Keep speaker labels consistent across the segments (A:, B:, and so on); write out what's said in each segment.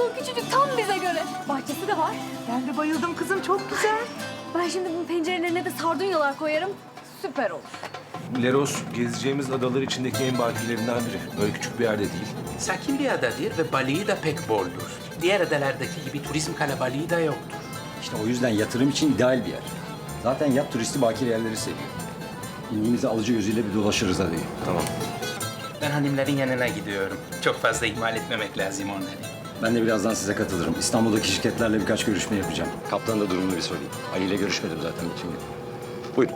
A: balkon küçücük, tam bize göre. Bahçesi de var.
B: Ben de bayıldım kızım, çok güzel.
A: Ben şimdi bunun pencerelerine de sardunyalar koyarım. Süper olur.
C: Leros gezeceğimiz adalar içindeki en bakirlerinden biri. Böyle küçük bir yerde değil.
D: Sakin bir adadır ve balığı da pek boldur. Diğer adalardaki gibi turizm kalabalığı da yoktur.
E: İşte o yüzden yatırım için ideal bir yer. Zaten yat turisti bakir yerleri seviyor. İlgimizi alıcı gözüyle bir dolaşırız hadi.
C: Tamam.
D: Ben hanımların yanına gidiyorum. Çok fazla ihmal etmemek lazım onları.
E: Ben de birazdan size katılırım. İstanbul'daki şirketlerle birkaç görüşme yapacağım. Kaptan da durumunu bir sorayım. Ali ile görüşmedim zaten bütün gün. Buyurun.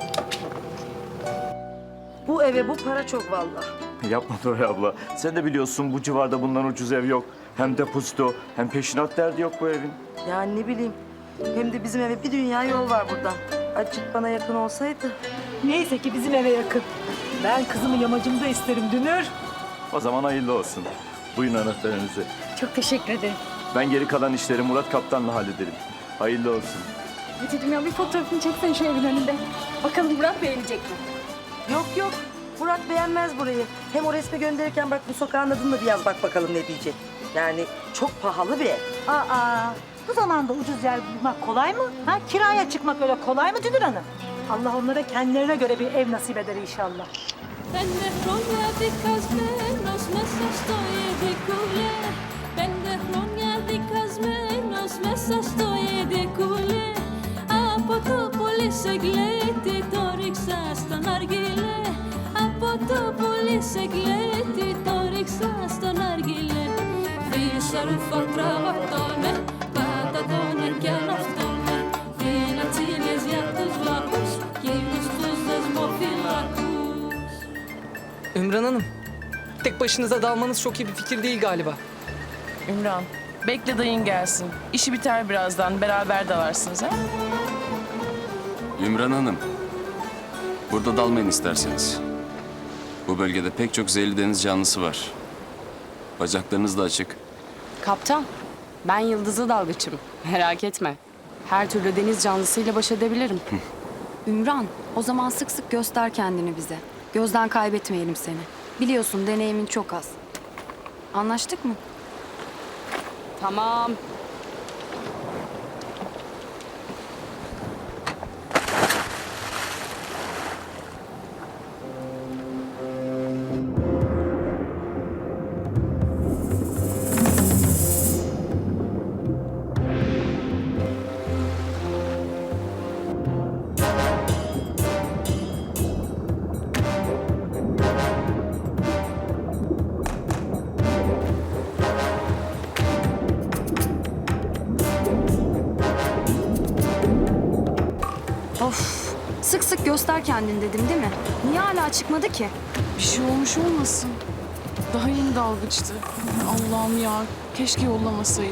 B: Bu eve bu para çok vallahi.
F: Yapma Doray abla. Sen de biliyorsun bu civarda bundan ucuz ev yok. Hem depozito hem peşinat derdi yok bu evin.
B: Yani ne bileyim. Hem de bizim eve bir dünya yol var buradan. Azıcık bana yakın olsaydı.
G: Neyse ki bizim eve yakın. Ben kızımı yamacımda isterim Dünür.
F: O zaman hayırlı olsun. Buyurun anahtarınızı.
A: Çok teşekkür ederim.
F: Ben geri kalan işleri Murat Kaptan'la hallederim. Hayırlı olsun.
A: Hatice'm ya bir fotoğrafını çeksen şu evin önünde. Bakalım Murat beğenecek mi?
B: Yok yok. Murat beğenmez burayı. Hem o resmi gönderirken bak bu sokağın adını da bir yaz bak bakalım ne diyecek. Yani çok pahalı bir ev.
G: Aa, bu zamanda ucuz yer bulmak kolay mı? Ha, kiraya çıkmak öyle kolay mı Dünür Hanım? Allah onlara kendilerine göre bir ev nasip eder inşallah.
H: Πέντε χρόνια δικασμένος μέσα στο ειδικούλε. Πέντε χρόνια δικασμένος μέσα στο ειδικούλε. Από το πολύ σε γλέτη το ρίξα στον αργυλέ. Από το πολύ σε γλέτη το ρίξα στον αργυλέ. Φύσα ρούφα τραβατώνε, πατατώνε κι αναυτώνε. Φιλατσίλες για τους βλάκους, εκείνους τους δεσμοφυλάκους.
I: Ümran Hanım, tek başınıza dalmanız çok iyi bir fikir değil galiba.
J: Ümran, bekle dayın gelsin. İşi biter birazdan, beraber dalarsınız ha?
K: Ümran Hanım, burada dalmayın isterseniz. Bu bölgede pek çok zehirli deniz canlısı var. Bacaklarınız da açık.
J: Kaptan, ben yıldızlı dalgıçım. Merak etme. Her türlü deniz canlısıyla baş edebilirim.
L: Ümran, o zaman sık sık göster kendini bize. Gözden kaybetmeyelim seni. Biliyorsun deneyimin çok az. Anlaştık mı?
J: Tamam.
L: Of, sık sık göster kendini dedim değil mi? Niye hala çıkmadı ki?
J: Bir şey olmuş olmasın. Daha yeni dalgıçtı. Allah'ım ya, keşke yollamasaydık.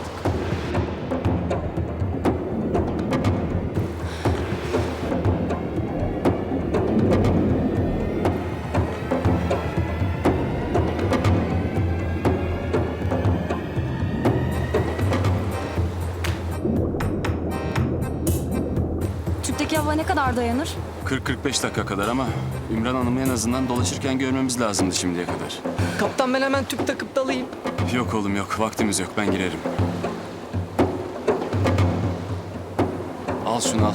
L: Tüpteki hava ne kadar dayanır?
K: 40-45 dakika kadar ama Ümran Hanım'ı en azından dolaşırken görmemiz lazımdı şimdiye kadar.
I: Kaptan ben hemen tüp takıp dalayım.
K: Yok oğlum yok, vaktimiz yok. Ben girerim. Al şunu al.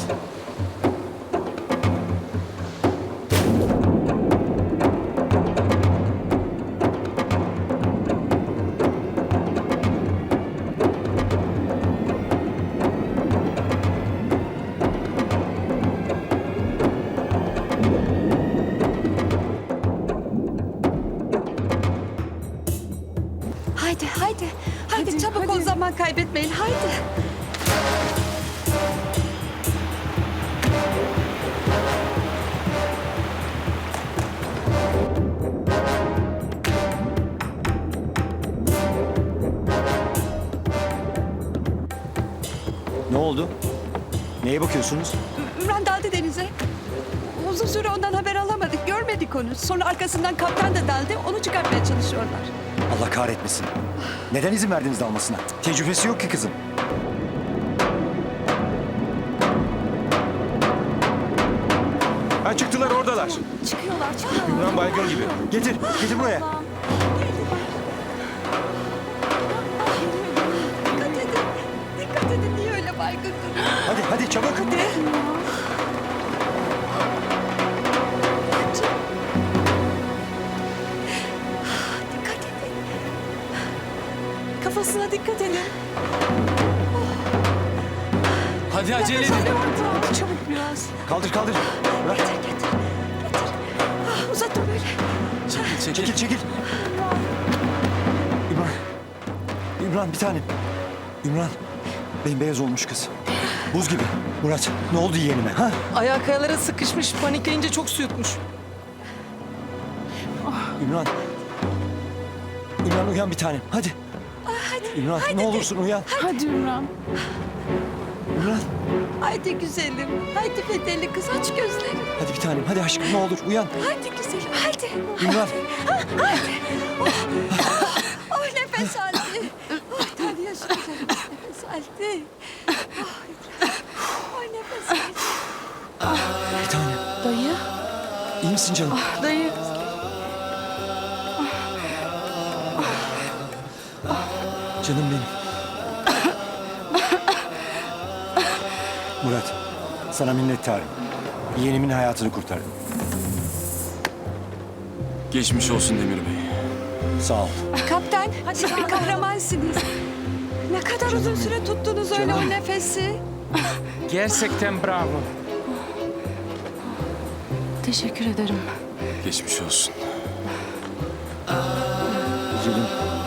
L: Haydi, haydi. Haydi, çabuk ol, zaman kaybetmeyin. Haydi.
E: Ne oldu? Neye bakıyorsunuz?
G: Ümran daldı denize. Uzun süre ondan haber alamadık, görmedik onu. Sonra arkasından kaptan da daldı, onu çıkartmaya çalışıyorlar.
E: Allah kahretmesin. Neden izin verdiniz dalmasına? Tecrübesi yok ki kızım.
C: Ha çıktılar oradalar.
L: Çıkıyorlar, çıkıyorlar.
C: Ümran baygın gibi.
E: Getir, getir buraya.
L: Hadi.
B: Çabuk hadi.
A: Dikkat edin. Kafasına dikkat edin.
K: Hadi acele edin.
A: Çabuk biraz.
E: Kaldır kaldır. Bırak.
A: Getir. Uzatma böyle.
E: Çekil çekil. İmran bir tanem. İmran. Bembeyaz olmuş kız. Buz gibi. Murat ne oldu yeğenime ha?
I: Ayağı kayalara sıkışmış, panikleyince çok su yutmuş.
E: İmran. İmran uyan bir tanem. Hadi. İmran ne olursun uyan.
J: Hadi Ümran.
E: İmran.
A: Haydi güzelim. Haydi fedeli kız aç gözlerini.
E: Hadi bir tanem. Hadi aşkım ne olur uyan.
A: Haydi güzelim haydi.
E: İmran.
A: Oh nefes aldı. Oh tane yaşa nefes aldı. Oh nefes aldı.
E: Bir tanem.
J: Dayı.
E: İyi misin canım?
J: Dayı.
E: Canım benim. Murat, sana minnettarım. Yeğenimin hayatını kurtardın.
K: Geçmiş olsun Demir Bey.
E: Sağ ol.
A: Kaptan siz bir kahramansınız. Ne kadar uzun süre tuttunuz öyle o nefesi.
D: Gerçekten bravo.
J: Teşekkür ederim.
K: Geçmiş olsun.
E: Güzelim.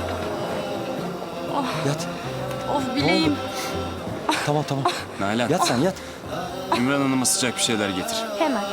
E: Yat.
J: Of bileğim.
E: Tamam tamam.
K: Nalan,
E: Yat sen yat.
K: Ümran Hanım'a sıcak bir şeyler getir.
A: Hemen.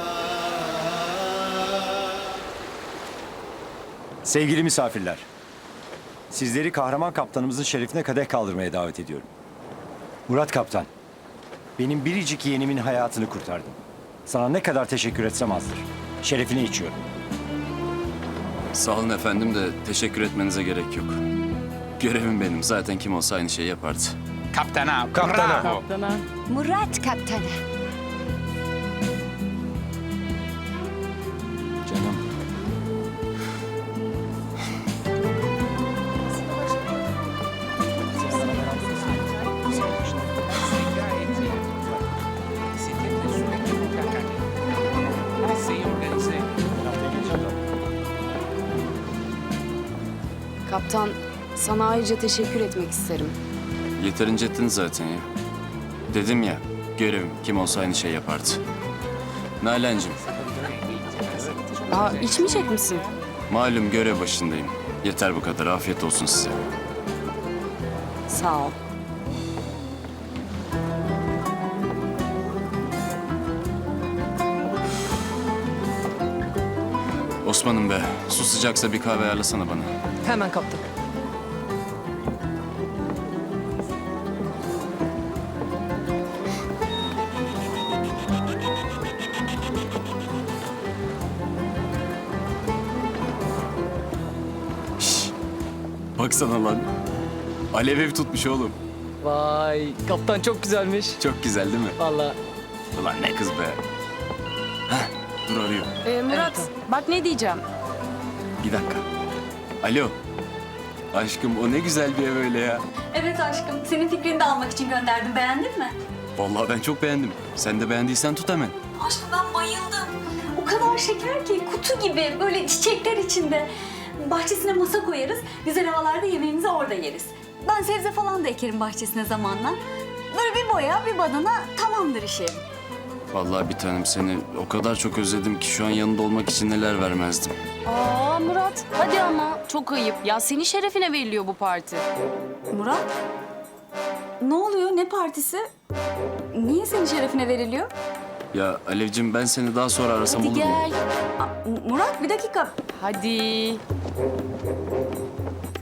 E: Sevgili misafirler. Sizleri kahraman kaptanımızın şerefine kadeh kaldırmaya davet ediyorum. Murat Kaptan, benim biricik yeğenimin hayatını kurtardın. Sana ne kadar teşekkür etsem azdır. Şerefine içiyorum.
K: Sağ olun efendim de teşekkür etmenize gerek yok. Görevim benim. Zaten kim olsa aynı şeyi yapardı.
D: Kaptana, bravo.
A: Murat kaptanı.
E: Canım.
J: Kaptan, sana ayrıca teşekkür etmek isterim.
K: Yeterince ettin zaten ya. Dedim ya, görevim kim olsa aynı şeyi yapardı. Nalan'cığım,
J: Aa, içmeyecek misin?
K: malum görev başındayım. Yeter bu kadar. Afiyet olsun size.
J: Sağ ol.
K: Osman'ım be, su sıcaksa bir kahve ayarlasana bana.
I: Hemen kaptan.
K: Baksana lan. Alev ev tutmuş oğlum.
I: Vay, kaptan çok güzelmiş.
K: Çok güzel değil mi?
I: Vallahi.
K: Ulan ne kız be. Heh, dur arıyor.
J: Murat, bak ne diyeceğim.
K: Bir dakika. Alo. Aşkım o ne güzel bir ev öyle ya.
A: Evet aşkım senin fikrini de almak için gönderdim beğendin mi?
K: Vallahi ben çok beğendim. Sen de beğendiysen tut hemen.
A: Aşkım ben bayıldım. O kadar şeker ki kutu gibi böyle çiçekler içinde. Bahçesine masa koyarız. Güzel havalarda yemeğimizi orada yeriz. Ben sebze falan da ekerim bahçesine zamanla. Böyle bir boya bir badana tamamdır işi.
K: Vallahi bir tanem seni o kadar çok özledim ki şu an yanında olmak için neler vermezdim.
J: Aa Murat, hadi ama. Çok ayıp. Ya senin şerefine veriliyor bu parti.
A: Murat? Ne oluyor? Ne partisi? Niye senin şerefine veriliyor?
K: Ya Alevcim ben seni daha sonra arasam
J: Hadi
K: olur mu?
J: gel.
A: Murat bir dakika.
J: Hadi.